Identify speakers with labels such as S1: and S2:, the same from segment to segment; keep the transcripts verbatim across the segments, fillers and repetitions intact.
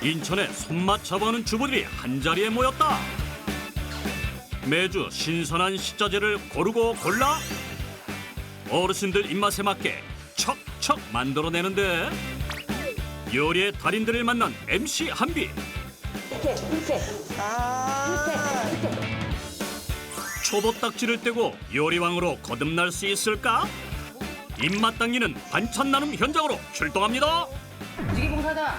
S1: 인천에 손맛 잡아오는 주부들이 한자리에 모였다. 매주 신선한 식자재를 고르고 골라 어르신들 입맛에 맞게 척척 만들어내는데 요리의 달인들을 만난 엠씨 한비. 초보딱지를 떼고 요리왕으로 거듭날 수 있을까? 입맛 당기는 반찬 나눔 현장으로 출동합니다.
S2: 무지개봉사다.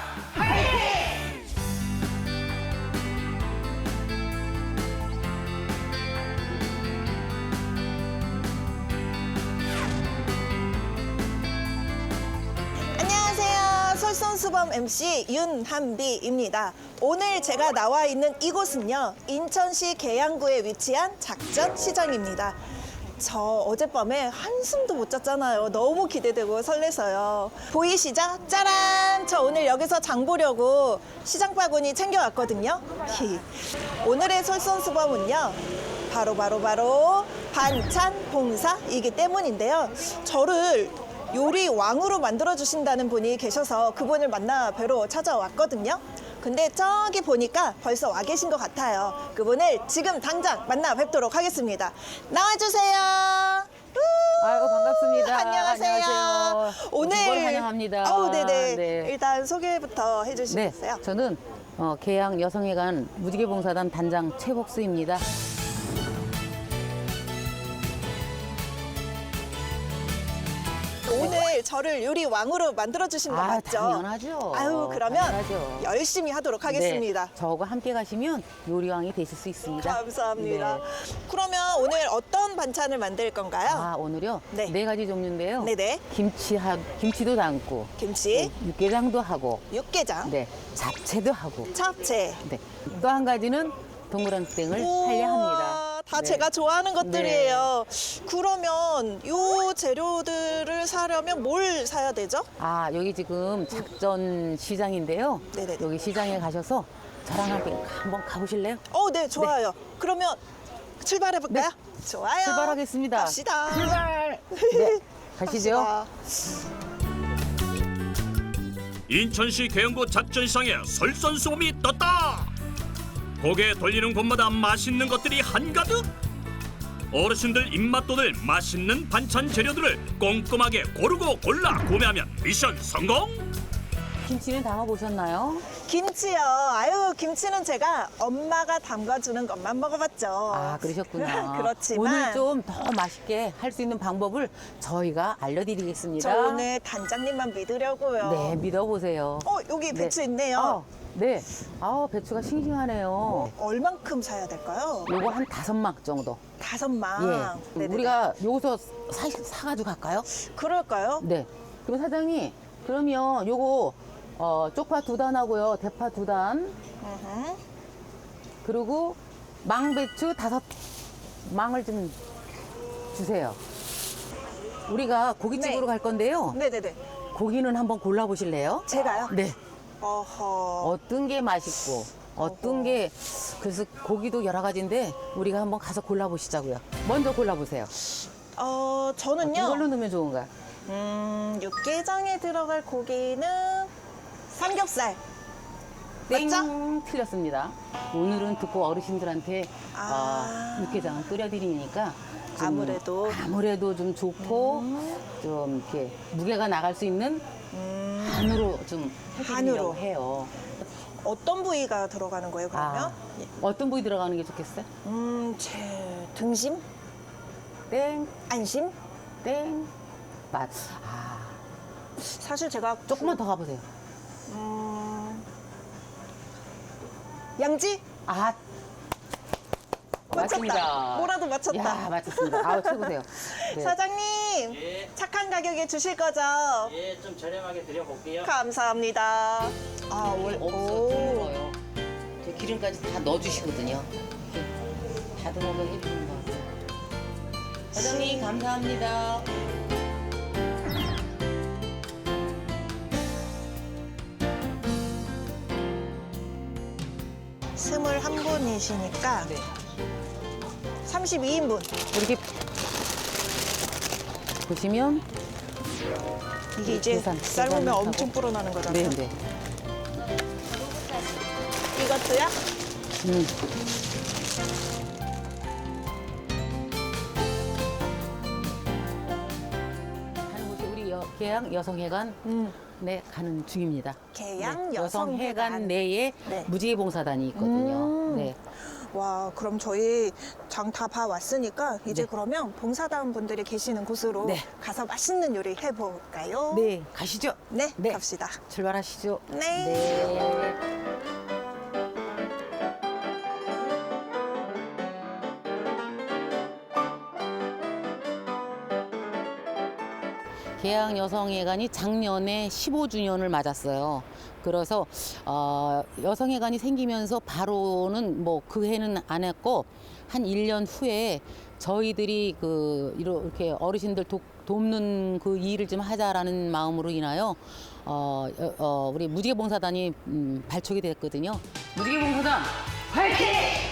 S3: 안녕하세요. 솔선수범 엠씨 윤한비입니다. 오늘 제가 나와 있는 이곳은요, 인천시 계양구에 위치한 작전시장입니다. 저 어젯밤에 한숨도 못 잤잖아요. 너무 기대되고 설레서요. 보이시죠? 짜란! 저 오늘 여기서 장 보려고 시장 바구니 챙겨왔거든요. 오늘의 솔선수범은요, 바로 바로 바로 반찬 봉사이기 때문인데요. 저를 요리 왕으로 만들어주신다는 분이 계셔서 그분을 만나 뵈러 찾아왔거든요. 근데 저기 보니까 벌써 와 계신 것 같아요. 그분을 지금 당장 만나 뵙도록 하겠습니다. 나와주세요.
S2: 아이고 반갑습니다.
S3: 안녕하세요.
S2: 안녕하세요.
S3: 오늘
S2: 두번 환영합니다.
S3: 아우 네네.
S2: 네.
S3: 일단 소개부터
S2: 네,
S3: 해주시겠어요?
S2: 저는 어, 계양 여성회관 무지개봉사단 단장 최복수입니다.
S3: 오늘 저를 요리 왕으로 만들어 주신 거
S2: 아,
S3: 맞죠?
S2: 당연하죠.
S3: 아유 그러면
S2: 당연하죠.
S3: 열심히 하도록 하겠습니다.
S2: 네, 저하고 함께 가시면 요리왕이 되실 수 있습니다.
S3: 감사합니다.
S2: 네.
S3: 그러면 오늘 어떤 반찬을 만들 건가요?
S2: 아, 오늘요
S3: 네.
S2: 네. 가지 종류인데요.
S3: 네네.
S2: 김치 하, 김치도 담고
S3: 김치,
S2: 육개장도 하고
S3: 육개장,
S2: 네, 잡채도 하고
S3: 잡채.
S2: 네. 또 한 가지는 동그랑땡을 하려 합니다.
S3: 다
S2: 네.
S3: 제가 좋아하는 것들이에요. 그러면 요 재료들을 사려면 뭘 사야 되죠?
S2: 아, 여기 지금 작전 시장인데요.
S3: 네네네.
S2: 여기 시장에 가셔서 저랑 함께 한번 가보실래요?
S3: 어, 네, 좋아요. 그러면 출발해 볼까요? 좋아요.
S2: 출발하겠습니다.
S3: 갑시다.
S2: 출발! 네, 가시죠.
S3: 갑시다.
S1: 인천시 계양구 작전시장에 설선수범이 떴다. 고개 돌리는 곳마다 맛있는 것들이 한가득. 어르신들 입맛 돋을 맛있는 반찬 재료들을 꼼꼼하게 고르고 골라 구매하면 미션 성공.
S2: 김치는 담아보셨나요?
S3: 김치요. 아유, 김치는 제가 엄마가 담가주는 것만 먹어봤죠.
S2: 아, 그러셨구나.
S3: 그렇지만
S2: 오늘 좀 더 맛있게 할 수 있는 방법을 저희가 알려드리겠습니다.
S3: 저 오늘 단장님만 믿으려고요.
S2: 네, 믿어보세요.
S3: 어, 여기 배추
S2: 네.
S3: 있네요.
S2: 어, 네. 아, 배추가 싱싱하네요.
S3: 얼만큼 사야 될까요?
S2: 요거 한 다섯 막 정도.
S3: 다섯 망.
S2: 예.
S3: 아, 네네네.
S2: 우리가 여기서 사, 사가지고 갈까요?
S3: 그럴까요?
S2: 네. 그럼 사장님, 그러면 요거 어, 쪽파 두 단하고요, 대파 두 단,
S3: 으흠.
S2: 그리고 망배추 다섯 망을 좀 주세요. 우리가 고깃집으로
S3: 네.
S2: 갈 건데요.
S3: 네네네.
S2: 고기는 한번 골라보실래요?
S3: 제가요?
S2: 네.
S3: 어허.
S2: 어떤 게 맛있고, 어떤 게, 그래서 고기도 여러 가지인데, 우리가 한번 가서 골라보시자고요. 먼저 골라보세요.
S3: 어, 저는요.
S2: 이걸로 넣으면 좋은가요?
S3: 음, 육개장에 들어갈 고기는 삼겹살.
S2: 땡!
S3: 맞죠?
S2: 틀렸습니다. 오늘은 듣고 어르신들한테
S3: 아.
S2: 어, 육개장을 끓여드리니까 좀
S3: 아무래도.
S2: 아무래도 좀 좋고 좀 이렇게 무게가 나갈 수 있는
S3: 음,
S2: 한우로 좀 해드리려고
S3: 한우로.
S2: 해요.
S3: 어떤 부위가 들어가는 거예요, 그러면?
S2: 아, 어떤 부위 들어가는 게 좋겠어요?
S3: 음, 제 등심?
S2: 땡,
S3: 안심?
S2: 땡, 맛. 아,
S3: 사실 제가
S2: 조금만 더 가보세요.
S3: 음, 양지?
S2: 아,
S3: 맞췄다.
S2: 맞습니다.
S3: 뭐라도 맞췄다.
S2: 야, 맞췄습니다. 아우, 최고세요. 네.
S3: 사장님,
S4: 예,
S3: 착한 가격에 주실 거죠?
S4: 예, 좀 저렴하게 드려볼게요.
S3: 감사합니다. 아, 월,
S2: 없어,
S3: 오.
S2: 드물어요. 저 기름까지 다 넣어주시거든요. 이렇게 다듬어서 해주는 거 같아요. 사장님, 감사합니다.
S3: 스물한 분이시니까
S2: 네.
S3: 삼십이 인분.
S2: 이렇게 보시면
S3: 이게 이제
S2: 계산,
S3: 삶으면
S2: 계산을
S3: 엄청
S2: 하고.
S3: 불어나는 거잖아요.
S2: 네, 네.
S3: 이것도요?
S2: 음. 가는 곳이 우리 여, 계양 여성회관
S3: 음.
S2: 네 가는 중입니다.
S3: 계양
S2: 네,
S3: 여성회관.
S2: 여성회관 내에
S3: 네.
S2: 무지개봉사단이 있거든요.
S3: 음.
S2: 네.
S3: 와, 그럼 저희 장 다 봐왔으니까 이제
S2: 네.
S3: 그러면 봉사단 분들이 계시는 곳으로
S2: 네.
S3: 가서 맛있는 요리 해볼까요?
S2: 네, 가시죠.
S3: 네,
S2: 네.
S3: 갑시다.
S2: 출발하시죠.
S3: 네.
S2: 네. 계양 여성회관이 작년에 십오 주년을 맞았어요. 그래서 어, 여성회관이 생기면서 바로는 뭐 그 해는 안 했고 한 일 년 후에 저희들이 그 이렇게 어르신들 도, 돕는 그 일을 좀 하자라는 마음으로 인하여 어, 어, 어, 우리 무지개봉사단이 음, 발족이 됐거든요. 무지개봉사단 화이팅!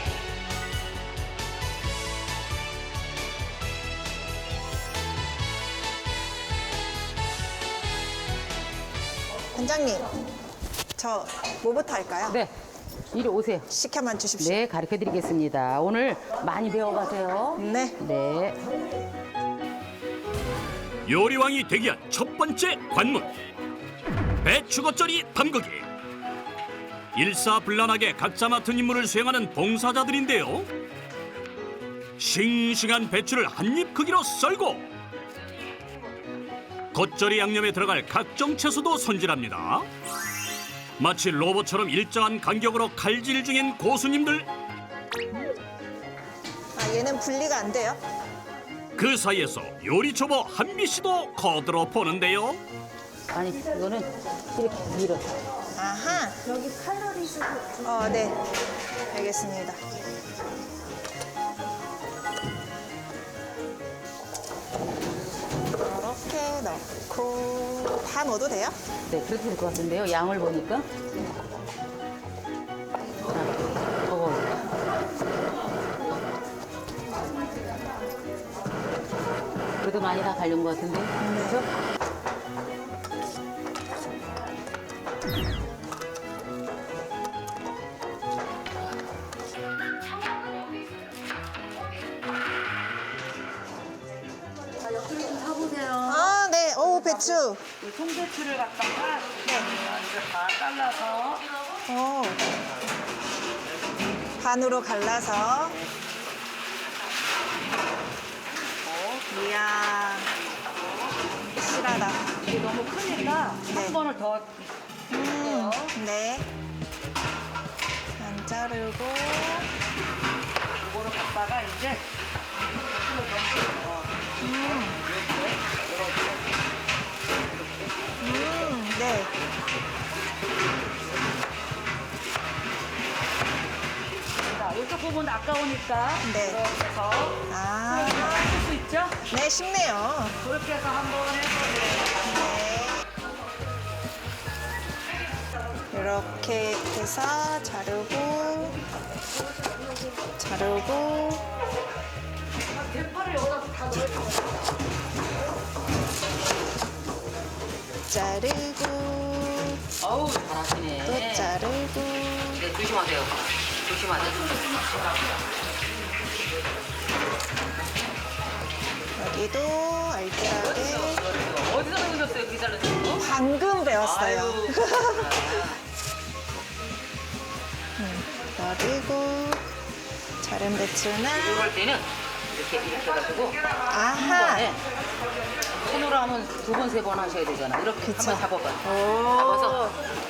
S3: 관장님, 저 뭐부터 할까요?
S2: 네, 이리 오세요.
S3: 시켜만 주십시오.
S2: 네, 가르쳐 드리겠습니다. 오늘 많이 배워가세요.
S3: 네.
S2: 네.
S1: 요리왕이 되기 위한 첫 번째 관문. 배추 겉절이 담그기. 일사불란하게 각자 맡은 임무를 수행하는 봉사자들인데요. 싱싱한 배추를 한 입 크기로 썰고 겉절이 양념에 들어갈 각종 채소도 손질합니다. 마치 로봇처럼 일정한 간격으로 칼질 중인 고수님들.
S3: 아, 얘는 분리가 안 돼요?
S1: 그 사이에서 요리 초보 한비 씨도 거들어 보는데요.
S2: 아니, 이거는 이렇게 밀어.
S3: 아하. 여기 칼로리 수도. 어, 네. 알겠습니다. 이렇게 넣고 다 넣어도 돼요?
S2: 네, 그렇게 될 것 같은데요. 양을 보니까. 자, 저거. 그래도 많이 다 갈린 것 같은데. 그렇죠?
S3: 아, 네. 오, 배추.
S5: 송배추를 갖다가 이제 다 잘라서
S3: 오. 반으로 갈라서. 이야. 실하다.
S5: 이게 너무 크니까
S3: 네.
S5: 한 번을 더
S3: 음, 네. 안 자르고.
S5: 이거를 갖다가 이제
S3: 음, 네.
S5: 자, 이쪽 부분 아까우니까
S3: 네.
S5: 이렇게 해서
S3: 아,
S5: 하실 수 있죠?
S3: 네, 쉽네요.
S5: 그렇게 해서 한번 해서
S3: 네. 이렇게 해서 자르고, 자르고. 자르고,
S2: 어우, 잘하시네.
S3: 또 자르고.
S2: 네, 조심하세요. 조심하세요.
S3: 여기도 알뜰하게.
S2: 어디서 배우셨어요? 그 잘라주는 거?
S3: 방금 배웠어요.
S2: 아유.
S3: 그리고 자른 배추는
S2: 이럴 때는 이렇게 이렇게 해가지고
S3: 아하.
S2: 네. 손으로 하면 두 번, 세 번 하셔야 되잖아. 이렇게
S3: 그쵸.
S2: 한번 잡아봐요.
S3: 오.
S2: 잡아서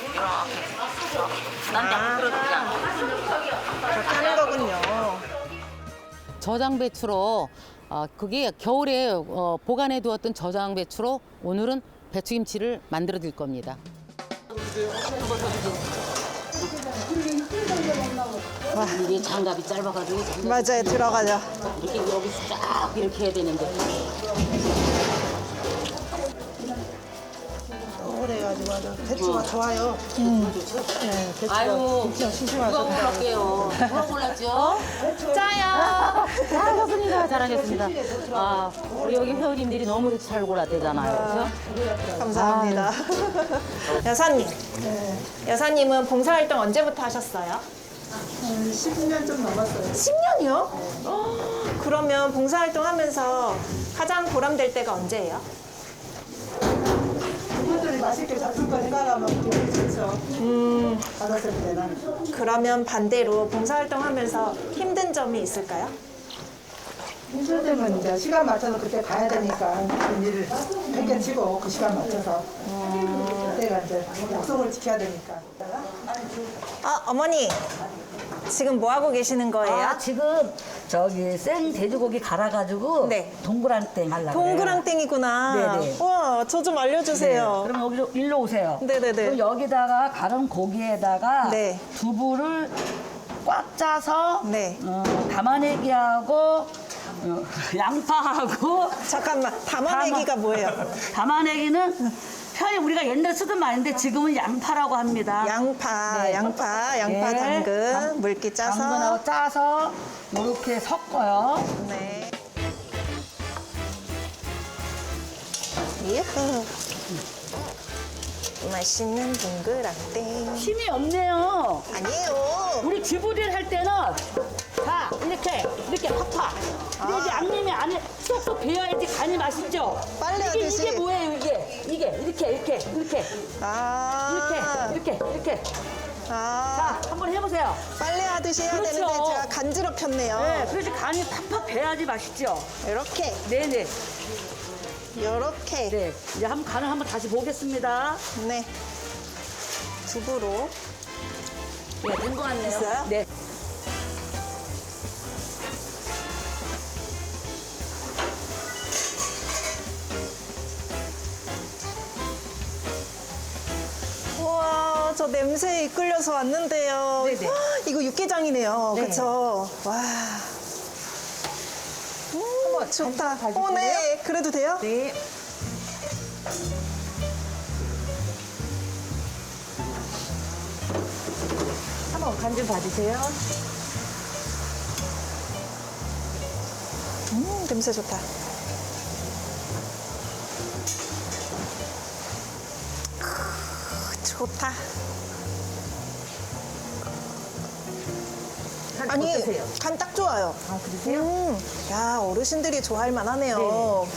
S2: 이렇게. 난 그냥 끌어도 그냥.
S3: 그렇게 하는 거군요.
S2: 저장 배추로 어, 그게 겨울에 어, 보관해 두었던 저장 배추로 오늘은 배추김치를 만들어 드릴 겁니다.
S3: 와.
S2: 이게 장갑이 짧아가지고 장갑이
S3: 맞아요, 들어가죠.
S2: 이렇게 여기서 쫙 이렇게 해야 되는데
S3: 오래가지고 아주 배추가 좋아요. 네, 배추가
S2: 아유
S3: 엄청 심심하죠.
S2: 누가 골랐게요? 누가 골랐죠? 짜요. 잘하셨습니다. 잘하셨습니다. 아 우리 여기 회원님들이 너무 잘 골랐대잖아요. 그렇죠?
S3: 감사합니다. 여사님, 여사님은 봉사활동 언제부터 하셨어요?
S6: 십 년 좀 넘었어요.
S3: 십 년이요? 그러면 봉사활동 하면서 가장 보람될 때가 언제예요?
S6: 그분들이 맛있게 잡술 거 해가면 기분이 좋죠. 음. 받았을 때는.
S3: 그러면 반대로 봉사활동 하면서 힘든 점이 있을까요?
S6: 힘들 때면 이제 시간 맞춰서 그때 가야 되니까 그 일을 뺏겨치고 그 시간 맞춰서 그때가 이제 약속을 지켜야 되니까.
S3: 아, 어머니. 지금 뭐 하고 계시는 거예요?
S7: 아, 지금 저기 생 돼지고기 갈아가지고
S3: 네.
S7: 동그랑땡 하려고
S3: 동그랑땡이구나.
S7: 네네.
S3: 와, 저 좀 알려주세요.
S7: 그럼 여기로 일로 오세요.
S3: 네네네.
S7: 그럼 여기다가 갈은 고기에다가
S3: 네.
S7: 두부를 꽉 짜서
S3: 네.
S7: 어, 담아내기하고 어, 양파하고
S3: 잠깐만, 담아내기가 뭐예요?
S7: 담아내기는 편히 우리가 옛날에 쓰던 말인데 지금은 양파라고 합니다.
S3: 양파,
S7: 네.
S3: 양파, 양파
S7: 네.
S3: 당근,
S7: 당-
S3: 물기 짜서.
S7: 당근하고 짜서 이렇게 섞어요.
S3: 네. 예후. 맛있는 동그랑땡.
S7: 힘이 없네요.
S3: 아니에요.
S7: 우리 주부들 할 때는 자 이렇게 이렇게 팍팍. 근데 이제 양념이 안에 쏙쏙 배어야지 간이 맛있죠.
S3: 빨래
S7: 이게
S3: 하듯이.
S7: 이게 뭐예요 이게 이게 이렇게 이렇게 이렇게
S3: 아.
S7: 이렇게 이렇게 이렇게.
S3: 아.
S7: 자 한번 해보세요.
S3: 빨래 하듯이 해야
S7: 그렇죠.
S3: 되는데 제가 간지럽혔네요.
S7: 네, 그래서 간이 팍팍 배야지 맛있죠.
S3: 이렇게,
S7: 네네.
S3: 이렇게.
S7: 네. 이제 한번 간을 한번 다시 보겠습니다.
S3: 네. 두부로.
S7: 네, 된 것 같네요.
S3: 됐어요?
S7: 네.
S3: 우와, 저 냄새에 이끌려서 왔는데요.
S7: 네네.
S3: 와, 이거 육개장이네요.
S7: 네.
S3: 그쵸? 와. 음, 좋다. 어, 네. 그래도 돼요?
S7: 네. 한번 간 좀 봐주세요.
S3: 음, 냄새 좋다. 크, 좋다. 아니,
S7: 어떠세요?
S3: 간 딱 좋아요.
S7: 아, 그러세요?
S3: 음, 야, 어르신들이 좋아할 만하네요.
S7: 네.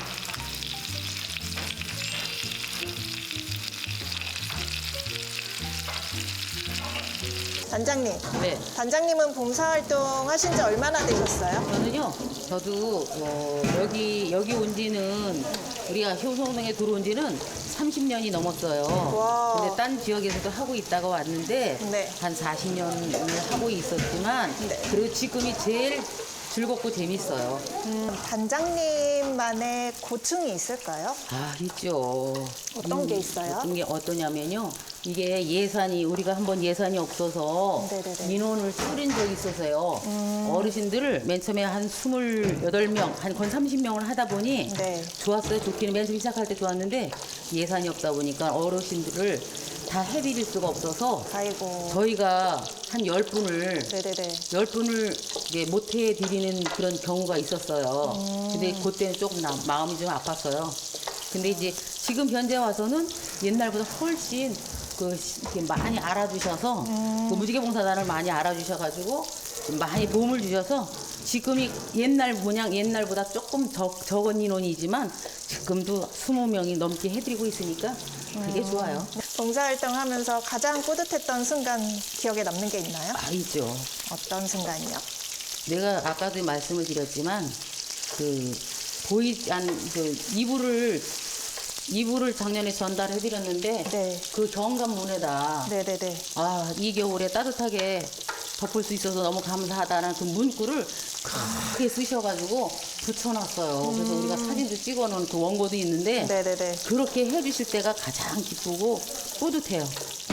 S3: 단장님,
S2: 네.
S3: 단장님은 봉사활동 하신 지 얼마나 되셨어요?
S2: 저는요, 저도 어, 여기 여기 온 지는 우리가 효성동에 들어온 지는 삼십 년이 넘었어요.
S3: 와.
S2: 근데 딴 지역에서도 하고 있다가 왔는데
S3: 네.
S2: 한 사십 년을 하고 있었지만
S3: 네.
S2: 그리고 지금이 제일 즐겁고 재밌어요.
S3: 음, 단장님만의 고충이 있을까요?
S2: 아, 있죠.
S3: 어떤 게 있어요?
S2: 어떤 게 어떠냐면요. 이게 예산이 우리가 한번 예산이 없어서
S3: 네네네.
S2: 민원을 뿌린 적이 있어서요.
S3: 음.
S2: 어르신들을 맨 처음에 한 스물여덟 명, 한 건 삼십 명을 하다 보니
S3: 네.
S2: 좋았어요. 좋기는 맨 처음 시작할 때 좋았는데 예산이 없다 보니까 어르신들을 다 해드릴 수가 없어서
S3: 아이고.
S2: 저희가 한 열 분을
S3: 네네네.
S2: 열 분을 이제 못 해드리는 그런 경우가 있었어요. 근데 그때는 조금 나- 마음이 좀 아팠어요. 근데 이제 지금 현재 와서는 옛날보다 훨씬 그 시- 이렇게 많이 알아주셔서 그 무지개봉사단을 많이 알아주셔가지고 좀 많이 도움을 주셔서 지금이 옛날 모양 옛날보다 조금 적, 적은 인원이지만 지금도 스무 명이 넘게 해드리고 있으니까 그게 좋아요.
S3: 봉사활동 하면서 가장 뿌듯했던 순간 기억에 남는 게 있나요?
S2: 아, 있죠.
S3: 어떤 순간이요?
S2: 내가 아까도 말씀을 드렸지만 그 보이지 않 그 이불을 이불을 작년에 전달해 드렸는데
S3: 네.
S2: 그 경감문에다
S3: 네네네.
S2: 아, 이 겨울에 따뜻하게 덮을 수 있어서 너무 감사하다는 그 문구를 크게 쓰셔가지고 붙여놨어요. 그래서 우리가 사진도 찍어놓은 그 원고도 있는데
S3: 네네네.
S2: 그렇게 해주실 때가 가장 기쁘고 뿌듯해요.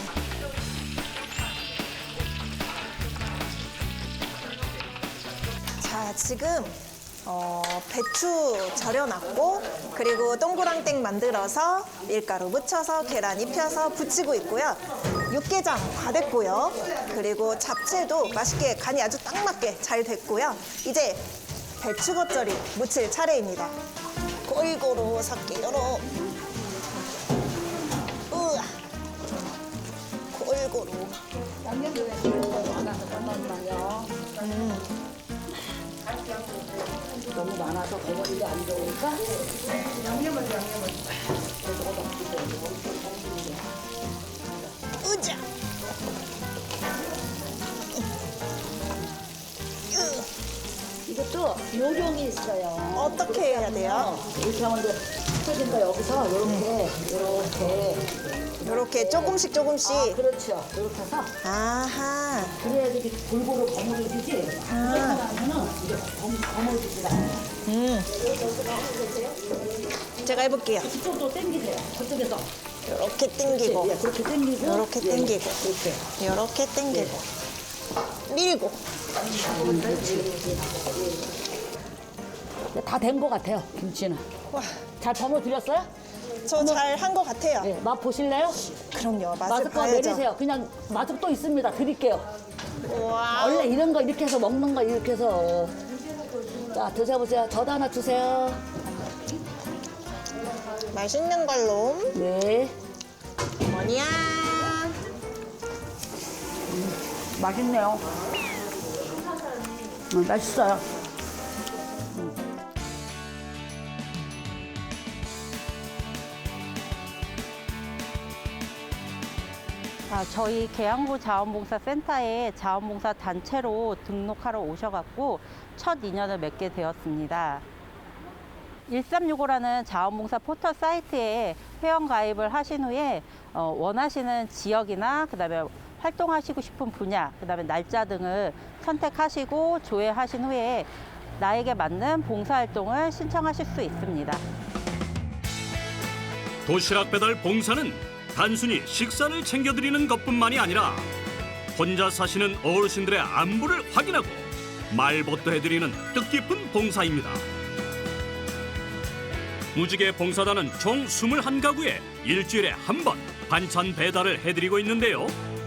S3: 자, 지금 어, 배추 절여놨고 그리고 동그랑땡 만들어서 밀가루 묻혀서 계란 입혀서 부치고 있고요. 육개장 다 됐고요. 그리고 잡채도 맛있게 간이 아주 딱 맞게 잘 됐고요. 이제 배추 겉절이 무칠 차례입니다. 골고루 섞기로. 우와. 골고루.
S7: 잠깐만요. 너무 많아서 버무리기 안 좋으니까.
S3: 으자.
S7: 이것도 요령이 있어요.
S3: 어떻게 해야 돼요?
S7: 이렇게 하면 이제 터진다 여기서 이렇게 이렇게
S3: 이렇게 조금씩 조금씩.
S7: 아, 그렇죠. 이렇게 해서
S3: 아하.
S7: 그래야 이렇게 골고루 버무려지지. 이렇게 하면은 이게 버무- 버무려지지 않아요.
S3: 음. 제가 해볼게요.
S7: 이쪽도 당기세요. 저쪽에서
S3: 이렇게 당기고,
S7: 예, 그렇게 당기고
S3: 이렇게
S7: 예,
S3: 당기고,
S7: 이렇게.
S3: 이렇게 당기고, 밀고.
S7: 다 된 것 같아요. 김치는.
S3: 와,
S7: 잘 버무드렸어요?
S3: 저 잘 한 것 같아요.
S7: 네, 맛 보실래요?
S3: 그럼요, 맛을
S7: 마스크
S3: 봐야죠.
S7: 내리세요. 그냥 마스크 또 있습니다. 드릴게요.
S3: 와,
S7: 원래 이런 거 이렇게 해서 먹는 거 이렇게 해서. 자, 드셔보세요. 저도 하나 주세요.
S3: 맛있는 걸로.
S7: 네.
S3: 뭐냐?
S7: 맛있네요. 음, 맛있어요.
S8: 아, 저희 계양구 자원봉사센터에 자원봉사 단체로 등록하러 오셔갖고 첫 인연을 맺게 되었습니다. 일삼육오라는 자원봉사 포털 사이트에 회원 가입을 하신 후에 어, 원하시는 지역이나 그다음에 활동하시고 싶은 분야, 그다음에 날짜 등을 선택하시고 조회하신 후에 나에게 맞는 봉사활동을 신청하실 수 있습니다.
S1: 도시락 배달 봉사는 단순히 식사를 챙겨드리는 것뿐만이 아니라 혼자 사시는 어르신들의 안부를 확인하고 말벗도 해드리는 뜻깊은 봉사입니다. 무지개 봉사단은 총 이십일 가구에 일주일에 한 번 반찬 배달을 해드리고 있는데요.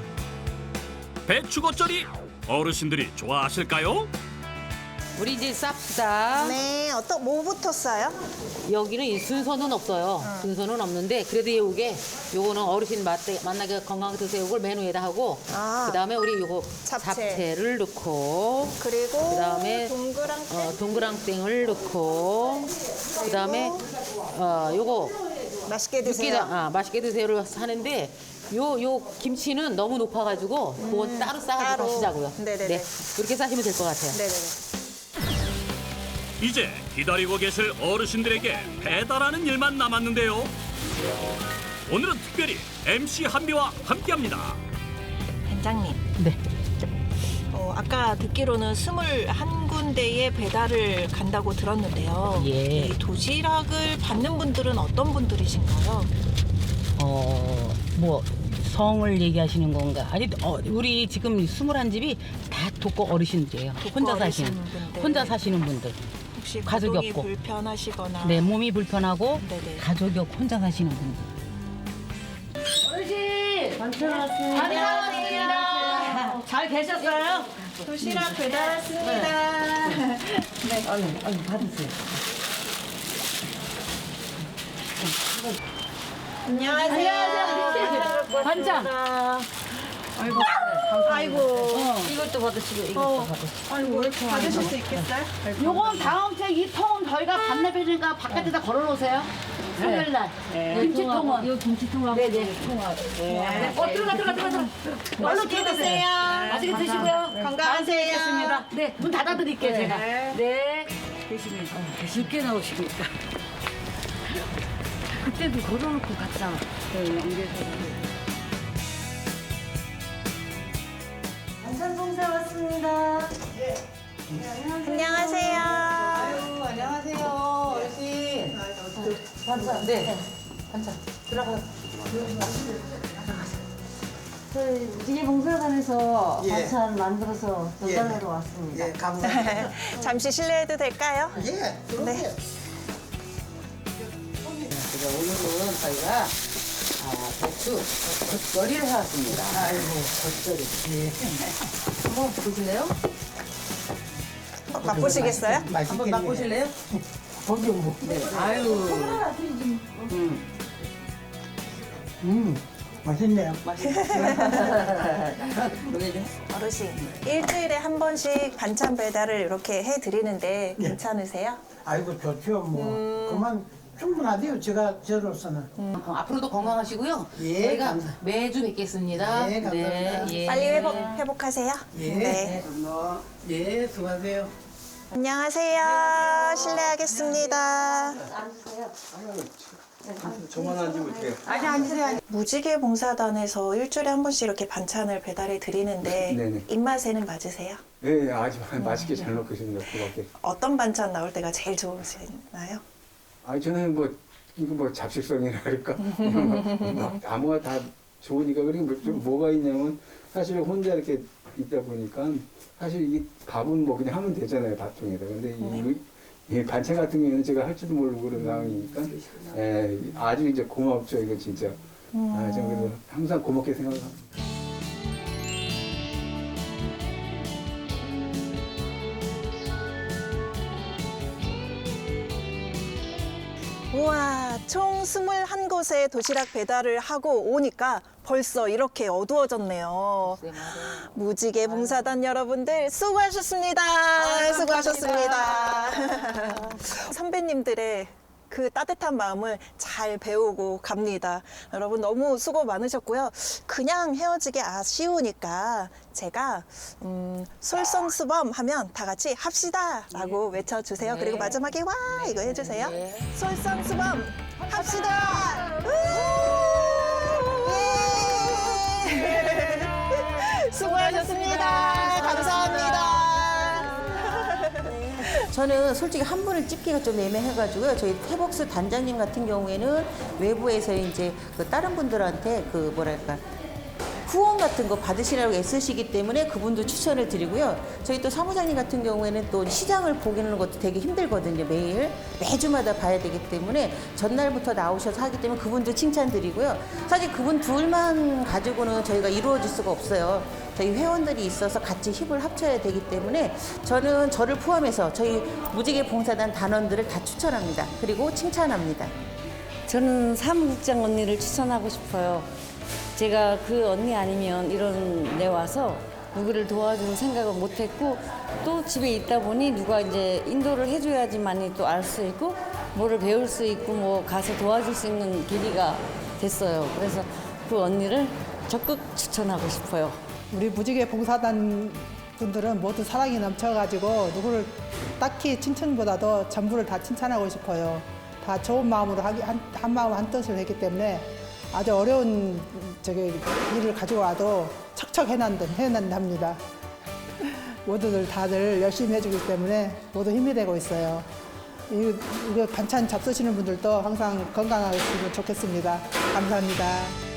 S1: 배추 겉절이 어르신들이 좋아하실까요?
S2: 우리 이제 쌉시다.
S3: 네, 어떤 뭐부터 써요?
S2: 여기는 이 순서는 없어요. 순서는 없는데 그래도 이게 요거는 어르신 맛대, 만나게 건강하게 드세요. 이걸 메뉴에다 하고
S3: 아.
S2: 그다음에 우리 요거
S3: 잡채.
S2: 잡채를 넣고
S3: 그리고
S2: 그다음에
S3: 동그랑땡.
S2: 어, 동그랑땡을 넣고 그다음에 어 요거
S3: 맛있게 드세요.
S2: 육개장 아 맛있게 드세요를 하는데 요 요 김치는 너무 높아가지고 그건 따로 싸가지고
S3: 따로.
S2: 하시자고요.
S3: 네네네.
S2: 네, 그렇게 싸시면 될 것 같아요.
S3: 네네네.
S1: 이제 기다리고 계실 어르신들에게 배달하는 일만 남았는데요. 오늘은 특별히 엠씨 한비와 함께합니다.
S3: 반장님.
S2: 네.
S3: 어, 아까 듣기로는 스물한 군데에 배달을 간다고 들었는데요.
S2: 예.
S3: 이 도시락을 받는 분들은 어떤 분들이신가요?
S2: 어, 뭐 성을 얘기하시는 건가? 아니, 어, 우리 지금 스물한 집이 다 독거 어르신들이에요.
S3: 독거
S2: 혼자
S3: 어르신
S2: 사시는
S3: 분들.
S2: 혼자 사시는 분들.
S3: 혹시
S2: 가족이
S3: 거동이
S2: 없고.
S3: 불편하시거나
S2: 내 몸이 불편하고
S3: 네네.
S2: 가족이 없고 혼자 사시는 분들.
S7: 어르신!
S5: 반찬 왔습니다.
S7: 안녕하세요. 잘 계셨어요?
S3: 도시락 배달 왔습니다.
S2: 아유, 아유, 받으세요.
S3: 안녕하세요.
S7: 반찬.
S3: 아이고.
S2: 이것도 받으시고 이것도 받으시고.
S3: 아이고 받으실 수 있겠어요?
S7: 요건 다음 주에 이 통은 저희가 반납해주니까 바깥에다 걸어놓으세요. 수요일 날. 김치통은.
S5: 이거 김치통하고
S7: 네네.
S5: 네.
S7: 어, 들어가, 들어가, 들어가, 들어가.
S3: 맛있게 드세요.
S7: 맛있게 드시고요.
S3: 건강하세요.
S7: 뵙겠습니다. 네, 문 닫아드릴게요, 제가. 네.
S5: 늦게 나오시니까. 그때도 걸어놓고 갔잖아.
S3: 안녕하세요.
S2: 아유, 안녕하세요, 어르신. 반찬, 네. 반찬. 들어가.
S5: 저희 무지개 봉사단에서
S9: 예.
S5: 반찬 만들어서
S9: 예.
S5: 전달하러 왔습니다.
S9: 예, 감사합니다.
S3: 잠시 실례해도 될까요?
S9: 예, 그럼요.
S3: 네.
S2: 그래서 오늘은 저희가 아, 배추 겉절이를 해왔습니다. 아이고, 겉절이. 네. 한번 보실래요?
S3: 어, 맛보시겠어요?
S2: 한번
S9: 맛있겠네요.
S2: 맛보실래요? 거기요, 뭐. 네. 아유. 음. 음.
S9: 맛있네요.
S2: 맛있어요.
S3: 어르신, 일주일에 한 번씩 반찬 배달을 이렇게 해드리는데
S6: 예.
S3: 괜찮으세요?
S6: 아이고 좋죠. 뭐 그만 충분하대요. 제가 저로서는.
S2: 어, 앞으로도 건강하시고요.
S6: 예,
S2: 저희가
S6: 감사-
S2: 매주 뵙겠습니다.
S6: 예, 감사합니다.
S2: 예.
S3: 빨리 회복, 회복하세요.
S6: 예.
S3: 네.
S6: 뭐, 예, 수고하세요.
S3: 안녕하세요. 실례하겠습니다.
S9: 저만 앉으면 어떡해요?
S3: 무지개 봉사단에서 일주일에 한 번씩 이렇게 반찬을 배달해 드리는데
S9: 네네.
S3: 입맛에는 맞으세요?
S9: 네, 아주 맛있게 잘 먹고 있습니다. 그밖에.
S3: 어떤 반찬 나올 때가 제일 좋으시나요?
S9: 아, 저는 뭐 이거 뭐 잡식성이라 그럴까? 뭐 아무가 다 좋으니까. 그리고 뭐 좀 뭐가 있냐면 사실 혼자 이렇게 있다 보니까 사실 이게 밥은 뭐 그냥 하면 되잖아요, 밥통에다. 근데 이, 이 반찬 같은 경우에는 제가 할 줄도 모르고 그런 상황이니까 예, 아주 이제 고맙죠, 이거 진짜. 아, 저 그래서 항상 고맙게 생각합니다.
S3: 우와, 총 스물한 곳에 도시락 배달을 하고 오니까 벌써 이렇게 어두워졌네요. 무지개 봉사단 여러분들 수고하셨습니다. 수고하셨습니다. 선배님들의 그 따뜻한 마음을 잘 배우고 갑니다. 여러분 너무 수고 많으셨고요. 그냥 헤어지기 아쉬우니까 제가 음, 솔선수범 하면 다 같이 합시다 라고 외쳐주세요. 그리고 마지막에 와 이거 해주세요. 솔선수범 합시다. 우! 예! 수고하셨습니다. 감사합니다.
S10: 저는 솔직히 한 분을 찍기가 좀 애매해가지고요. 저희 태복스 단장님 같은 경우에는 외부에서 이제 그 다른 분들한테 그 뭐랄까 후원 같은 거 받으시라고 애쓰시기 때문에 그분도 추천을 드리고요. 저희 또 사무장님 같은 경우에는 또 시장을 보기는 것도 되게 힘들거든요. 매일 매주마다 봐야 되기 때문에 전날부터 나오셔서 하기 때문에 그분도 칭찬드리고요. 사실 그분 둘만 가지고는 저희가 이루어질 수가 없어요. 저희 회원들이 있어서 같이 힘을 합쳐야 되기 때문에 저는 저를 포함해서 저희 무지개 봉사단 단원들을 다 추천합니다. 그리고 칭찬합니다.
S5: 저는 사무국장 언니를 추천하고 싶어요. 제가 그 언니 아니면 이런 데 와서 누구를 도와줄 생각을 못했고 또 집에 있다 보니 누가 이제 인도를 해줘야지만이 또 알 수 있고 뭐를 배울 수 있고 뭐 가서 도와줄 수 있는 계기가 됐어요. 그래서 그 언니를 적극 추천하고 싶어요.
S6: 우리 무지개 봉사단 분들은 모두 사랑이 넘쳐가지고 누구를 딱히 칭찬보다도 전부를 다 칭찬하고 싶어요. 다 좋은 마음으로 하기, 한, 한 마음 한 뜻을 했기 때문에 아주 어려운 저기 일을 가지고 와도 척척 해낸다, 해낸답니다. 모두들 다들 열심히 해주기 때문에 모두 힘이 되고 있어요. 이, 이거 반찬 잡수시는 분들도 항상 건강하시면 좋겠습니다. 감사합니다.